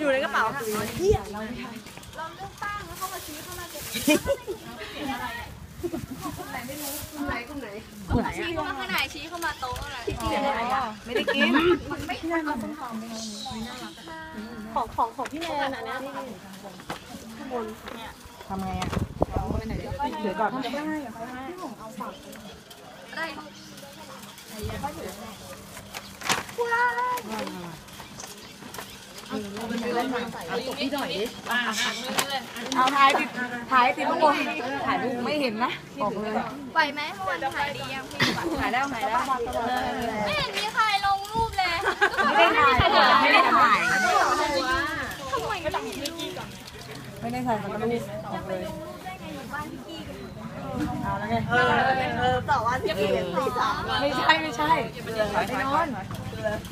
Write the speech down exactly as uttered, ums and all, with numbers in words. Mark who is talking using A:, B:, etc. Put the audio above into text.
A: อยู่ในกระเป๋าเที่ยเราไม่ใช่เราเลือกตั้งแล้วเข้ามาชี้เข้ามาเก็บกลุ่มไหนไม่รู้กลุ่มไหนกลุ่มไหนกลุ่มไหนชี้เข้ามาข้างในชี้เข้ามาโต๊ะอะไรไม่ได้กินมันไม่ได้มาต้นหอมของของของพี่แนนอันนี้ข้างบนเนี่ยทำไงอ่ะถือก่อนได้ได้เอาฝากได้พูดอะไรเอาตกพี่หน่อยดิเอาถ่ายติดถ่ายติดข้างบนถ่ายรูปไม่เห็นนะบอกเลยไหวไหมเมื่อวานถ่ายดียังพี่ถ่ายแล้วถ่ายแล้วไม่เห็นมีใครลงรูปเลยไม่ได้ถ่ายไม่ได้ถ่ายทำไมก็ต้องมีพี่กี้ก่อนไม่ได้ถ่ายมันก็รูปจะไปลงรูปได้ไงอยู่บ้านพี่กี้กันเอาแล้วไงเออเออต่อวันจะเปลี่ยนตีสามไม่ใช่ไม่ใช่ไปนอน